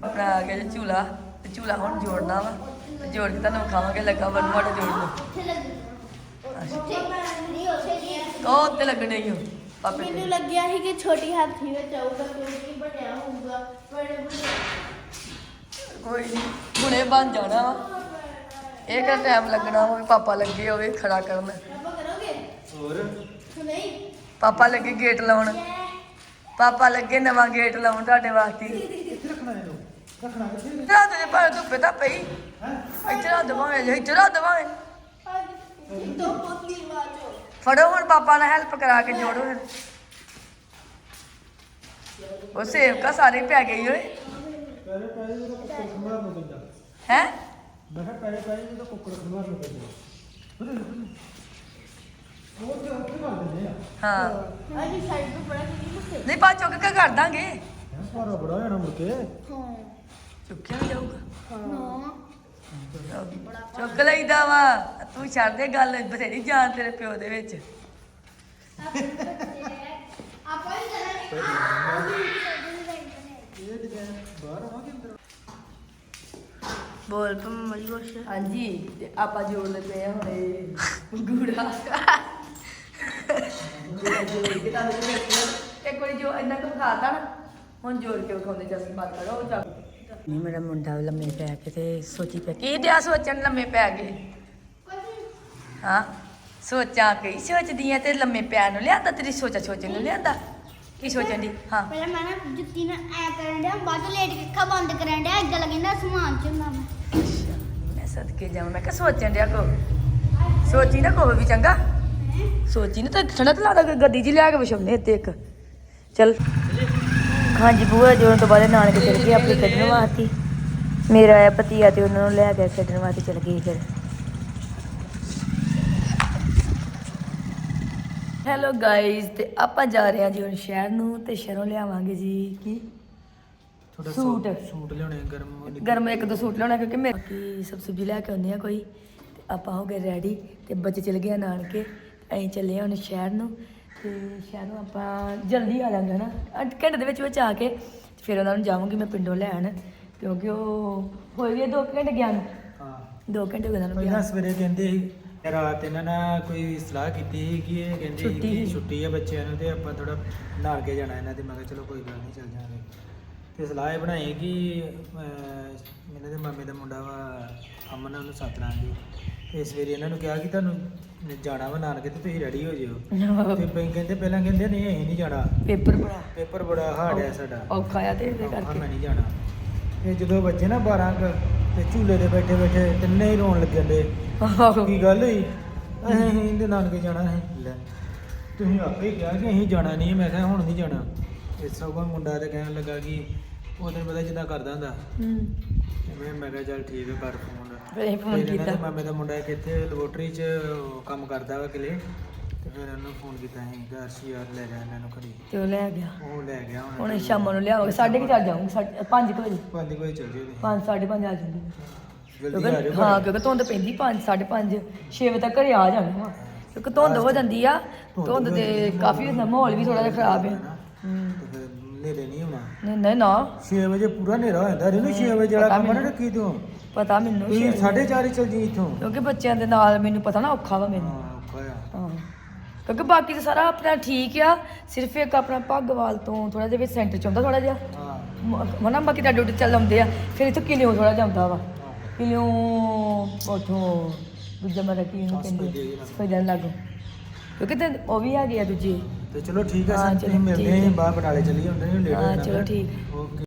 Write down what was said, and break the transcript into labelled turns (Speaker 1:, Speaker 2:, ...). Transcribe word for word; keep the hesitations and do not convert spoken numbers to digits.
Speaker 1: ਆਪਣਾ ਆ ਗਿਆ ਜੀ ਝੂਲਾ ਤੇ ਝੂਲਾ ਹੁਣ ਜੋੜਨਾ ਵਾ ਤੇ ਜੋੜ ਕੇ ਤੁਹਾਨੂੰ ਖਾਵਾਂਗੇ ਲੱਗਾ ਵਨ ਮਾੜਾ ਜੋੜ ਲਓ ਉਹ ਉੱਤੇ ਲੱਗਣੇ ਹੀ ਹੋ ਪਾਪੇ ਤੇ
Speaker 2: ਮੈਨੂੰ ਲੱਗਿਆ ਸੀ ਕਿ ਛੋਟੀ ਹਾਥੀ ਵਿੱਚ ਆਊਗਾ ਕਿਉਂਕਿ ਬਣਿਆ ਹੋਊਗਾ ਬੜੇ ਬੜੇ
Speaker 1: ਕੋਈ ਨਹੀਂ ਹੁਣੇ ਬਣ ਜਾਣਾ ਵਾ ਇਹ ਕਿਹੜਾ ਟਾਈਮ ਲੱਗਣਾ ਵਾ ਪਾਪਾ ਲੱਗੇ ਹੋਵੇ ਖੜਾ ਕਰਨ
Speaker 2: ਆਪਾਂ ਕਰੋਗੇ
Speaker 3: ਹੋਰ
Speaker 2: ਨਹੀਂ
Speaker 1: ਪਾਪਾ ਲੱਗੇ ਗੇਟ ਲਾਉਣ ਪਾਪਾ ਲੱਗੇ ਨਵਾਂ ਗੇਟ ਲਾਉਣ ਤੁਹਾਡੇ ਵਾਸਤੇ
Speaker 3: ਇੱਥੇ ਰੱਖਣਾ ਇਹਨੂੰ ਰੱਖਣਾ ਕਿੱਥੇ
Speaker 1: ਰਾਤ ਦੇ ਪਰ ਧੁੱਪੇ ਤਾਂ ਪਈ
Speaker 3: ਹੈ
Speaker 1: ਇੱਥੇ ਰਾਤ ਦਵਾਂਗੇ ਇੱਥੇ ਰਾਤ ਦਵਾਂਗੇ
Speaker 2: ਦੋ ਪੋਤਲੀ ਵਾਚੋ
Speaker 1: ਫੜੋ ਹੁਣ ਪਾਪਾ ਨਾਲ ਹੈਲਪ ਕਰਾ ਕੇ ਜੋੜੋ ਫਿਰ ਉਹ ਸੇਵਕਾ ਸਾਰੇ ਪੈ ਗਈ ਓਏ
Speaker 3: ਪਹਿਲੇ ਪਹਿਲੇ ਜਦੋਂ ਕੁੱਕੜ ਖੰਭਾਰ ਨੂੰ ਪੈਂਦਾ
Speaker 1: ਹੈ
Speaker 3: ਮੈਂ ਕਿਹਾ ਪਹਿਲੇ ਪਹਿਲੇ ਜਦੋਂ ਕੁੱਕੜ ਖੰਭਾਰ ਨੂੰ ਪੈਂਦਾ ਉਹ ਤੇ ਉੱਥੇ ਕਰ ਦਿੰਦੇ ਆ
Speaker 1: ਹਾਂ
Speaker 2: ਅਜੀ ਸਾਈਡ ਤੋਂ ਬੜਾ ਕਿੰਨੀ ਮੁੱਕੇ
Speaker 1: ਨਹੀਂ ਪਾ ਚੁੱਕ ਕੇ ਕਰ ਦਾਂਗੇ
Speaker 3: ਹੈ ਸਾਰਾ ਬੜਾ ਹੋਣਾ ਮੁੜ ਕੇ
Speaker 2: ਹਾਂ
Speaker 1: ਚੁੱਕਿਆ ਵੀ ਜਾਊਗਾ
Speaker 2: ਹਾਂ
Speaker 1: ਚੁੱਕ ਲਈਦਾ ਵਾ ਤੂੰ ਛੱਡ ਦੇ ਗੱਲ ਬਥੇਰੀ ਜਾਨ ਤੇਰੇ ਪਿਓ ਦੇ ਵਿੱਚ
Speaker 2: ਆਪਾਂ ਹੀ ਕਰਾਂਗੇ
Speaker 3: ਇਹ ਡਿਜ਼ਾਈਨ ਬਾਹਰ ਆਵਾ ਕਿ ਅੰਦਰ
Speaker 2: ਬੋਲ ਪਮ ਮਰੀ ਕੁਛ
Speaker 1: ਹਾਂਜੀ ਤੇ ਆਪਾਂ ਜੋੜਦੇ ਪਏ ਆ ਹੁਣੇ ਗੂੜਾ ਗੂੜਾ ਜੋੜ ਕੇ ਤਾਂ ਇੱਕ ਵਾਰੀ ਜੋ ਇੰਨਾ ਕੁ ਖਾਤਾ ਨਾ ਹੁਣ ਜੋੜ ਕੇ ਵਿਖਾਉਂਦੇ ਜਸੀ ਬਾਤ ਕਰੋ ਉਹ ਚੱਲ ਨਹੀਂ ਮੇਰਾ ਮੁੰਡਾ ਲੰਮੇ ਪੈ ਕੇ ਤੇ ਸੋਚੀ ਪਿਆ ਕੀ ਦਿਆ ਸੋਚਣ ਲੰਮੇ ਪੈ ਗਏ ਹਾਂ ਸੋਚਾਂ ਕਈ ਸੋਚਦੀਆਂ ਤੇ ਲੰਮੇ ਪੈਣ ਨੂੰ ਲਿਆਂਦਾ ਤੇਰੀ ਸੋਚਾ ਸੋਚਣ ਨੂੰ ਲਿਆਂਦਾ ਕੀ ਸੋਚਣ ਦੀ ਹਾਂ
Speaker 2: ਪਹਿਲਾਂ ਮੈਂ ਨਾ ਜੁੱਤੀ ਨਾਲ ਐ ਕਰਨ ਡਿਆ ਬਾਅਦ ਚ ਲੇਟ ਕੇ ਅੱਖਾਂ ਬੰਦ ਕਰਨ ਡਿਆ ਏਦਾਂ ਲੱਗਦਾ ਸਮਾਨ ਚ ਹੁੰਦਾ ਮੈਂ
Speaker 1: ਅੱਛਾ ਮੈਂ ਸਦਕੇ ਜਾਵਾਂ ਮੈਂ ਕਿਹਾ ਸੋਚਣ ਡਿਆ ਕੋ ਸੋਚੀ ਨਾ ਕੋ ਵੀ ਚੰਗਾ ਸੋਚੀ ਨਾ ਤਾਂ ਠੰਡਾ ਤਾਂ ਲੱਗਦਾ ਗੱਡੀ 'ਚ ਲਿਆ ਕੇ ਵਿਛਾਉਣੇ ਇੱਥੇ ਇੱਕ ਚੱਲ ਹਾਂਜੀ ਬੂਆ ਜੋੜਨ ਤੋਂ ਬਾਅਦ ਨਾਨਕੇ ਚਲ ਗਏ ਆਪਣੇ ਕੱਢਣ ਵਾਸਤੇ ਮੇਰਾ ਆਇਆ ਪਤੀਆ ਤੇ ਉਹਨਾਂ ਨੂੰ ਲੈ ਕੇ ਖੇਡਣ ਵਾਸਤੇ ਚਲ ਗਏ ਫਿਰ ਹੈਲੋ ਗਾਇਜ਼ ਤੇ ਆਪਾਂ ਜਾ ਰਹੇ ਹਾਂ ਜੀ ਹੁਣ ਸ਼ਹਿਰ ਨੂੰ ਤੇ ਸ਼ਹਿਰੋਂ ਲਿਆਵਾਂਗੇ ਜੀ ਕੀ
Speaker 3: ਥੋੜਾ
Speaker 1: ਸੂਟ।
Speaker 3: ਸੂਟ ਲਿਆਉਣੇ ਗਰਮ
Speaker 1: ਗਰਮ ਇੱਕ ਦੋ ਸੂਟ ਲਿਆਉਣਾ ਕਿਉਂਕਿ ਮੇਰੇ ਕੀ ਸਭ ਸਬਜ਼ੀ ਲੈ ਕੇ ਆਉਂਦੇ ਆ ਕੋਈ ਤੇ ਆਪਾਂ ਹੋ ਗਏ ਰੈਡੀ ਤੇ ਬੱਚੇ ਚਲੇ ਗਏ ਆ ਨਾਨਕੇ ਅਸੀਂ ਚੱਲੇ ਆ ਹੁਣ ਸ਼ਹਿਰ ਨੂੰ ਤੇ ਸ਼ਹਿਰੋਂ ਆਪਾਂ ਜਲਦੀ ਆ ਜਾਵਾਂਗੇ ਨਾ ਅੱਠ ਘੰਟੇ ਦੇ ਵਿੱਚ ਵਿੱਚ ਆ ਕੇ ਫਿਰ ਉਹਨਾਂ ਨੂੰ ਜਾਵਾਂਗੀ ਮੈਂ ਪਿੰਡੋਂ ਲੈਣ ਕਿਉਂਕਿ ਉਹ ਹੋਏ ਵੀ ਆ ਦੋ ਕੁ ਘੰਟੇ ਗਿਆ ਨੂੰ
Speaker 3: ਹਾਂ
Speaker 1: ਦੋ ਘੰਟੇ ਹੋ ਗਏ ਉਹਨਾਂ ਨੂੰ
Speaker 3: ਪਹਿਲਾਂ
Speaker 1: ਗਿਆ
Speaker 3: ਸਵੇਰੇ ਕਹਿੰਦੇ ਸੀ ਰਾਤ ਇਹਨਾਂ ਨਾਲ ਕੋਈ ਸਲਾਹ ਕੀਤੀ ਸੀ ਕਿ ਇਹ ਕਹਿੰਦੇ ਸੀ
Speaker 1: ਛੁੱਟੀ
Speaker 3: ਕਿ
Speaker 1: ਸੀ।
Speaker 3: ਛੁੱਟੀ ਹੈ ਬੱਚਿਆਂ ਨੂੰ ਤੇ ਆਪਾਂ ਥੋੜਾ ਨਹਾ ਕੇ ਜਾਣਾ ਇਹਨਾਂ ਦੇ ਮੈਂ ਕਿਹਾ ਚਲੋ ਕੋਈ ਗੱਲ ਨਹੀਂ ਚੱਲ ਜਾਵਾਂਗੇ ਤੇ ਸਲਾਹ ਇਹ ਬਣਾਈ ਕਿ ਅਹ, ਇਹਨਾਂ ਦੇ ਮਾਮੇ ਦਾ ਮੁੰਡਾ ਵਾ ਅਮਨ ਉਹਨੂੰ ਸੱਦ ਲਾਂਗੇ ਤੇ ਸਵੇਰੇ ਇਹਨਾਂ ਨੂੰ ਕਿਹਾ ਕਿ ਤੁਹਾਨੂੰ ਜਾਣਾ ਵਾ ਨਾਨਕੇ ਤੇ ਤੁਸੀਂ ਰੈਡੀ ਹੋ ਜਿਓ ਤੇ ਪਈ ਕਹਿੰਦੇ ਪਹਿਲਾਂ ਕਹਿੰਦੇ ਨਹੀਂ ਅਸੀਂ ਨਹੀਂ ਜਾਣਾ
Speaker 1: ਪੇਪਰ ਬੜਾ
Speaker 3: ਪੇਪਰ ਬੜਾ ਹਾਰਡ ਹੈ ਸਾਡਾ
Speaker 1: ਔਖਾ ਆ ਤੇ ਇਹਦੇ
Speaker 3: ਹਾਂ,
Speaker 1: ਕਰਕੇ
Speaker 3: ਮੈਂ ਨਹੀਂ ਜਾਣਾ ਤੇ ਜਦੋਂ ਬੱਚੇ ਨਾ ਬਾਰਾਂ ਕੁ ਤੇ ਝੂਲੇ ਦੇ ਬੈਠੇ ਬੈਠੇ ਤਿੰਨੇ ਹੀ ਰੋਣ ਲੱਗੇ ਨੇ ਕੀ ਗੱਲ ਹੋਈ ਅਸੀਂ ਇਹਦੇ ਨਾਨਕੇ ਜਾਣਾ ਹੈ ਲੈ ਤੁਸੀਂ ਆਪੇ ਹੀ ਕਿਹਾ ਕਿ ਅਸੀਂ ਜਾਣਾ ਨਹੀਂ ਮੈਂ ਕਿਹਾ ਹੁਣ ਨਹੀਂ ਜਾਣਾ ਇਸ ਸਭ ਮੁੰਡਾ ਤੇ ਕਹਿਣ ਲੱਗਾ ਕਿ ਉਹ ਦਿਨ ਪਤਾ ਜਿੱਦਾਂ ਕਰਦਾ ਹੁੰਦਾ
Speaker 1: ਹੂੰ
Speaker 3: ਤੇ ਮੈਂ ਮੈਂ ਕਿਹਾ ਚੱਲ ਠੀਕ ਹੈ ਕਰ ਫੋਨ
Speaker 1: ਫਿਰ ਅਸੀਂ ਫੋਨ
Speaker 3: ਫਿਰ ਇਹਨਾਂ ਦੇ
Speaker 1: ਕੀਤਾ
Speaker 3: ਮਾਮੇ ਦਾ ਮੁੰਡਾ ਕਿੱਥੇ ਲੈਬੋਰਟਰੀ 'ਚ ਉਹ ਕੰਮ ਕਰਦਾ ਵਾ ਕਿਲੇ ਤੇ ਫਿਰ ਉਹਨੂੰ ਫੋਨ ਕੀਤਾ ਅਸੀਂ ਗਰਸ਼ੀ ਯਾਰ ਲੈ ਜਾ ਇਹਨਾਂ ਨੂੰ ਘਰੀ
Speaker 1: ਤੇ ਉਹ ਲੈ ਗਿਆ
Speaker 3: ਉਹ ਲੈ ਗਿਆ
Speaker 1: ਹੁਣ ਸ਼ਾਮ ਨੂੰ ਲਿਆਵਾਂਗੇ ਸਾਢੇ ਕੁ ਚਾਰ ਜਾਊਂਗੇ ਸਾਢੇ ਪੰਜ ਕੁ ਵਜੇ
Speaker 3: ਪੰਜ ਵਜੇ ਚੱਲ ਜਿਓ
Speaker 1: ਪੰਜ ਸਾਢੇ ਪੰਜ ਆ ਜਾਂਦੀ
Speaker 3: ਜਲਦੀ ਆ
Speaker 1: ਕਿਉਂਕਿ
Speaker 3: ਜਾਓ
Speaker 1: ਹਾਂ ਕਿਉਂਕਿ ਧੁੰਦ ਪੈਂਦੀ ਪੰਜ ਸਾਢੇ ਪੰਜ ਛੇ ਵਜੇ ਤੱਕ ਘਰੇ ਆ ਜਾਣਾ ਵਾ ਕਿਉਂਕਿ ਧੁੰਦ ਹੋ ਜਾਂਦੀ ਆ ਧੁੰਦ ਤੇ ਕਾਫੀ ਹੁੰਦਾ ਮਾਹੌਲ ਵੀ ਥੋੜਾ ਜਿਹਾ ਖਰਾਬ ਆ ਹੂੰ
Speaker 3: ਤੇ ਫਿਰ ਨੇਰੇ ਨਹੀਂ ਹੋਣਾ
Speaker 1: ਨਹੀਂ ਨਹੀਂ ਨਾ
Speaker 3: ਛੇ ਵਜੇ ਪੂਰਾ ਹਨੇਰਾ ਹੋ ਜਾਂਦਾ ਇਹਨੂੰ ਛੇ ਵਜੇ ਵਾਲਾ
Speaker 1: ਪਤਾ
Speaker 3: ਕੰਮ ਨਾ
Speaker 1: ਮੈਨੂੰ।
Speaker 3: ਰੱਖੀ ਤੂੰ
Speaker 1: ਪਤਾ ਮੈਨੂੰ
Speaker 3: ਤੂੰ ਸਾਢੇ ਚਾਰ ਹੀ ਚੱਲ ਜੀ ਇੱਥੋਂ
Speaker 1: ਕਿਉਂਕਿ ਬੱਚਿਆਂ ਦੇ ਨਾਲ ਮੈਨੂੰ ਪਤਾ ਨਾ ਔਖਾ ਵਾ ਮੈਨੂੰ
Speaker 3: ਹਾਂ ਔਖਾ ਆ
Speaker 1: ਹਾਂ ਕਿਉਂਕਿ ਬਾਕੀ ਤਾਂ ਸਾਰਾ ਆਪਣਾ ਠੀਕ ਆ ਸਿਰਫ ਇੱਕ ਆਪਣਾ ਭੱਗਵਾਲ ਤੋਂ ਥੋੜਾ ਜਿਹਾ ਵਿੱਚ ਸੈਂਟਰ ਚ ਆਉਂਦਾ ਥੋੜਾ ਜਿਹਾ
Speaker 3: ਹਾਂ
Speaker 1: ਮਨਾ ਬਾਕੀ ਤਾਂ ਡਿਊਟੀ ਚੱਲ ਆਉਂਦੇ ਆ ਫਿਰ ਇੱਥੋਂ ਕਿਲਿਓ ਥੋੜਾ ਜਾਂਦਾ ਵਾ ਕਿਲਿਓ ਉਥੋਂ ਦੂਜਾ ਮੇਰਾ ਕੀ ਇਹਨੂੰ ਕਹਿੰਦੇ ਸਫੈਦਨ ਲੱਗੋ ਕਿਉਂਕਿ ਤੇ ਉਹ ਵੀ ਹੈਗੇ ਆ ਦੂਜੇ
Speaker 3: ਤੇ ਚਲੋ ਠੀਕ ਆ
Speaker 1: ਹਾਂ,
Speaker 3: ਸਰ
Speaker 1: ਚਲੋ
Speaker 3: ਤੁਸੀਂ ਮਿਲਦੇ
Speaker 1: ਠੀਕ
Speaker 3: ਹਾਂ
Speaker 1: ਹੈ।
Speaker 3: ਬਾਹਰ ਬਟਾਲੇ ਚੱਲੀ ਹੁੰਦੇ ਨੇ ਲੇਟ ਹੋ
Speaker 1: ਹਾਂ
Speaker 3: ਜਾਣਾ
Speaker 1: ਚਲੋ ਠੀਕ
Speaker 3: ਓਕੇ